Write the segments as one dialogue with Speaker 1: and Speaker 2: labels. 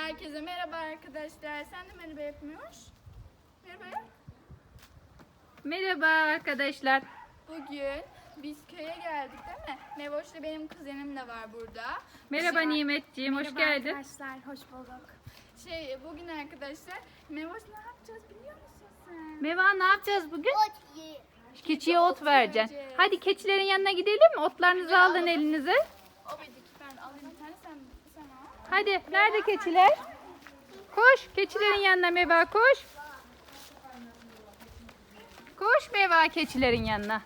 Speaker 1: Herkese merhaba arkadaşlar. Sen de merhaba yapmıyormuş. Merhaba yap.
Speaker 2: Merhaba arkadaşlar.
Speaker 1: Bugün biz köye geldik değil mi? Mevoş'la benim kuzenim de var burada.
Speaker 2: Merhaba Nimetciğim, hoş geldin.
Speaker 3: Arkadaşlar, hoş bulduk.
Speaker 1: Bugün arkadaşlar Mevoş ne yapacağız biliyor musun sen?
Speaker 2: Meva ne yapacağız bugün? Keçiye ot vereceksin.
Speaker 1: vereceğiz.
Speaker 2: Hadi keçilerin yanına gidelim mi? Otlarınızı alın elinize.
Speaker 1: O bedik, ben alayım bir tane, sen al.
Speaker 2: Hadi, nerede keçiler? Koş, keçilerin yanına Meva, koş. Koş Meva keçilerin yanına.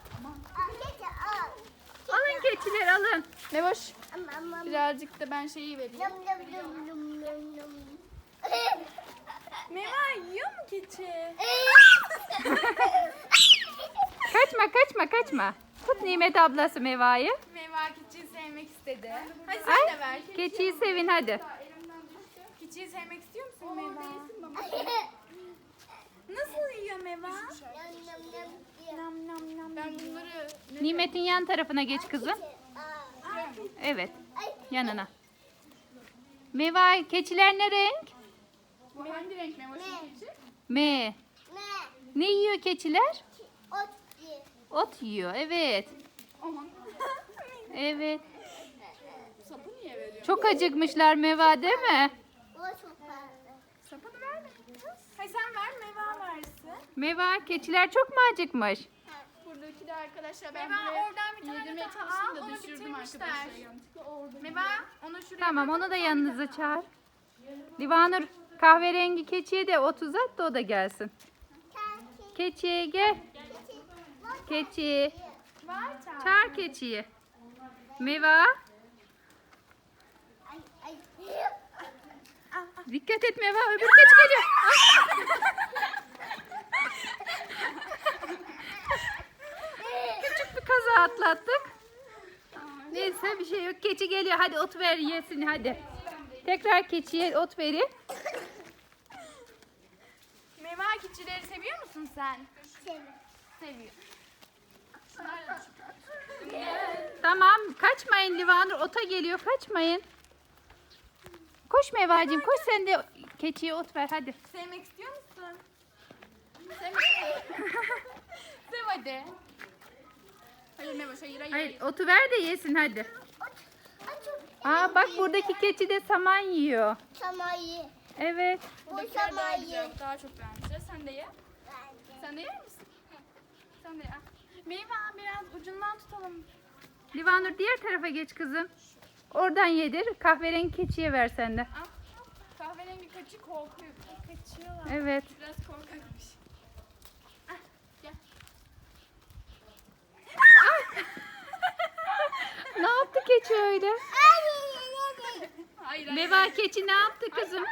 Speaker 2: Alın keçiler, alın.
Speaker 1: Mevoş birazcık da ben şeyi vereyim. Meva yiyor mu keçi?
Speaker 2: Kaçma. Tut Nimet ablası Meva'yı.
Speaker 1: Meva keçiyi sevmek istedi. Hadi sen
Speaker 2: Ay,
Speaker 1: de ver.
Speaker 2: keçiyi sevin hadi.
Speaker 1: Keçiyi sevmek istiyor musun Meva? Nasıl yiyor Meva? Ben bunları...
Speaker 2: Nimet'in yan tarafına geç kızım. Evet, yanına. Meva, keçiler ne renk?
Speaker 1: Bu hangi renk Mevoş'un keçi?
Speaker 2: M. Ne yiyor keçiler? Ot yiyor, evet.
Speaker 1: Aman.
Speaker 2: Evet.
Speaker 1: Sapı niye veriyor?
Speaker 2: Çok acıkmışlar Meva değil mi?
Speaker 1: Sapını vermeyin kız. Hayır sen ver, Meva versin.
Speaker 2: Meva, keçiler çok mu acıkmış?
Speaker 1: Buradaki de arkadaşlar ben
Speaker 3: Meva,
Speaker 1: buraya
Speaker 3: oradan bir tane
Speaker 1: yedirmeye
Speaker 3: daha
Speaker 1: çalıştım da
Speaker 3: al, onu
Speaker 1: düşürdüm
Speaker 3: bitirmişler.
Speaker 1: arkadaşlar. Yanlışlıkla orada.
Speaker 3: Meva, onu şuraya
Speaker 2: Tamam, onu da yanınıza çağır. Livanur, kahverengi keçiye de ot uzat da o da gelsin. Keçi gel. Keçi. Çağır keçiyi. Meva. Dikkat et Meva, öbür keçi geliyor. Küçük bir kaza atlattık. Neyse bir şey yok. Keçi geliyor. Hadi ot ver yesin hadi. Tekrar keçiye ot verin.
Speaker 1: Meva keçileri seviyor musun sen? Seviyor. Şunlar da
Speaker 2: Tamam, kaçmayın Livanur. Ota geliyor, kaçmayın. Koş Mevacığım, koş sen de keçiye ot ver hadi.
Speaker 1: sevmek istiyor musun? Sevmek Sev hadi. Hayır Mevoş, hayır.
Speaker 2: Hayır, otu ver de yesin hadi. Aa bak buradaki keçi de saman yiyor. Evet.
Speaker 1: Buradakiler daha güzel, daha çok beğenmişler. Sen de ye. Sen de yer misin? Sen de ye. Meyve biraz ucundan tutalım.
Speaker 2: Livanur diğer tarafa geç kızım. Oradan yedir. Kahverengi keçiye ver sen de.
Speaker 1: Al. Kahverengi keçi korkuyor. Kaçıyorlar.
Speaker 2: Evet.
Speaker 1: Biraz korkakmış. Ah, gel.
Speaker 2: Ne yaptı keçi öyle?
Speaker 1: Hayır.
Speaker 2: Meva keçi ne yaptı kızım?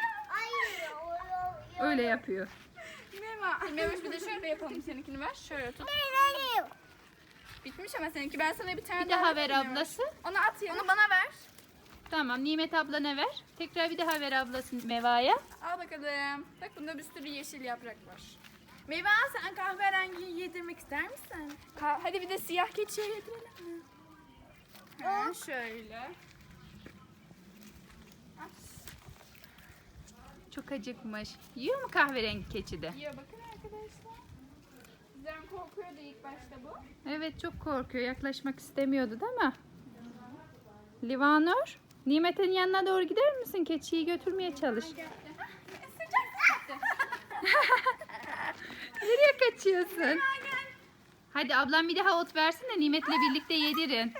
Speaker 2: Öyle yapıyor.
Speaker 1: Meyve. Mevoş bir de şöyle yapalım. Seninkini ver. Şöyle tut. Bitmiş ama seninki. Ben sana bir tane
Speaker 2: Bir daha ver
Speaker 1: vereyim Mevoş.
Speaker 2: ablası.
Speaker 1: Onu at ya. Onu bana ver.
Speaker 2: Tamam, Nimet ablana ver. Tekrar bir daha ver ablası Meva'ya.
Speaker 1: Al bakalım. Bak bunda bir sürü yeşil yaprak var. Meyve sen kahverengiyi yedirmek ister misin? Hadi bir de siyah keçiye yedirelim mi? Ha, şöyle.
Speaker 2: Çok acıkmış. Yiyor mu kahverengi keçi de?
Speaker 1: Yiyor bakın arkadaşlar. Bizden korkuyordu ilk başta bu.
Speaker 2: Evet, çok korkuyor. Yaklaşmak istemiyordu değil mi? Livanur, Nimet'in yanına doğru gider misin? Keçiyi götürmeye çalış. Nereye kaçıyorsun? Hadi ablam bir daha ot versin de Nimet'le birlikte yedirin.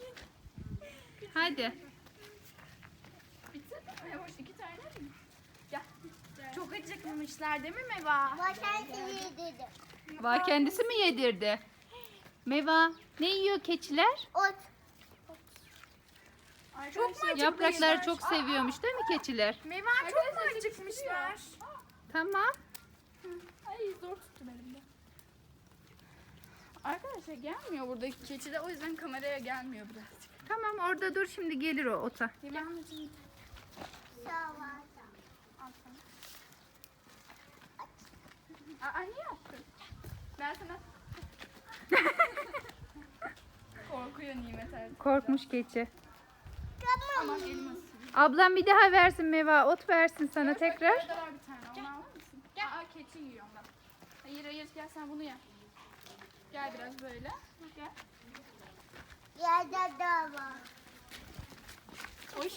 Speaker 2: Hadi.
Speaker 1: Bitti mi? Hoş 2 tane mi? Gel.
Speaker 3: Çok acıkmışlar değil mi Meva?
Speaker 2: Va kendisi mi yedirdi? Meva, ne yiyor keçiler?
Speaker 1: Çok mu
Speaker 2: Yaprakları çok seviyormuş değil mi keçiler?
Speaker 3: Meva çok mu acıkmışlar?
Speaker 2: Tamam.
Speaker 1: Ay zor tuttum elimde. Arkadaşlar gelmiyor buradaki keçi de, o yüzden kameraya gelmiyor birazcık.
Speaker 2: Tamam, orada dur, şimdi gelir o ota.
Speaker 1: Livanlıcığım. Aa niye yaptın? Ben sana... Korkuyor Nimet artık.
Speaker 2: Korkmuş keçi.
Speaker 1: Aman elimi ısırıyor.
Speaker 2: Ablam bir daha versin Meva. Ot versin sana tekrar.
Speaker 1: Burada var bir tane. Onu alır mısın? Gel. Aa, keçi yiyor ondan. Hayır hayır gel sen bunu ye. Gel biraz böyle. Gel. Oy.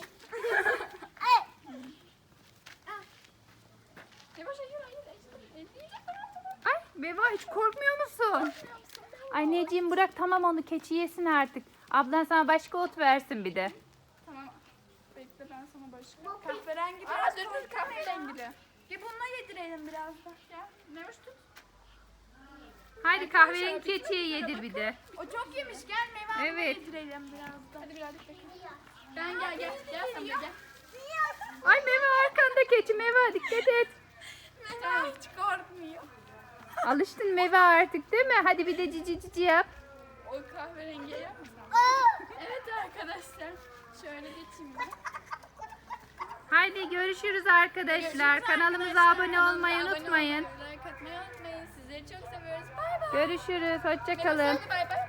Speaker 1: Yavaş hayır hayır. Elleyecek
Speaker 2: Ay Meva hiç korkmuyor musun? Anneciğim bırak tamam onu keçi yesin artık. Ablan sana başka ot versin bir de.
Speaker 1: Tamam. Bekle ben sana başka. Kahverengi biraz. Dur kahverengi.
Speaker 3: Ya bununla yedirelim biraz da.
Speaker 1: Gel. Nemiş tut.
Speaker 2: Haydi kahverengi keçiye yedir bir de.
Speaker 3: O çok yemiş. Gel meyve
Speaker 2: Evet.
Speaker 3: yedirelim biraz da.
Speaker 1: Hadi birazcık bekle. Ben gel. Gel sen de gel.
Speaker 2: Ay Meva arkanda keçi Meva dikkat et.
Speaker 1: Meva hiç korkmuyor.
Speaker 2: Alıştın Meva artık değil mi? Hadi bir de cici cici yap.
Speaker 1: O kahverengiye yapmasam. Evet arkadaşlar. Şöyle geçeyim ben.
Speaker 2: Haydi görüşürüz arkadaşlar.
Speaker 1: Görüşürüz
Speaker 2: Kanalımıza
Speaker 1: arkadaşlar.
Speaker 2: abone olmayı
Speaker 1: Kanalımıza abone
Speaker 2: unutmayın.
Speaker 1: olmayı, like atmayı unutmayın. Sizleri çok seviyoruz. Bay bay.
Speaker 2: Görüşürüz. Hoşça kalın.
Speaker 1: Hadi bay bay.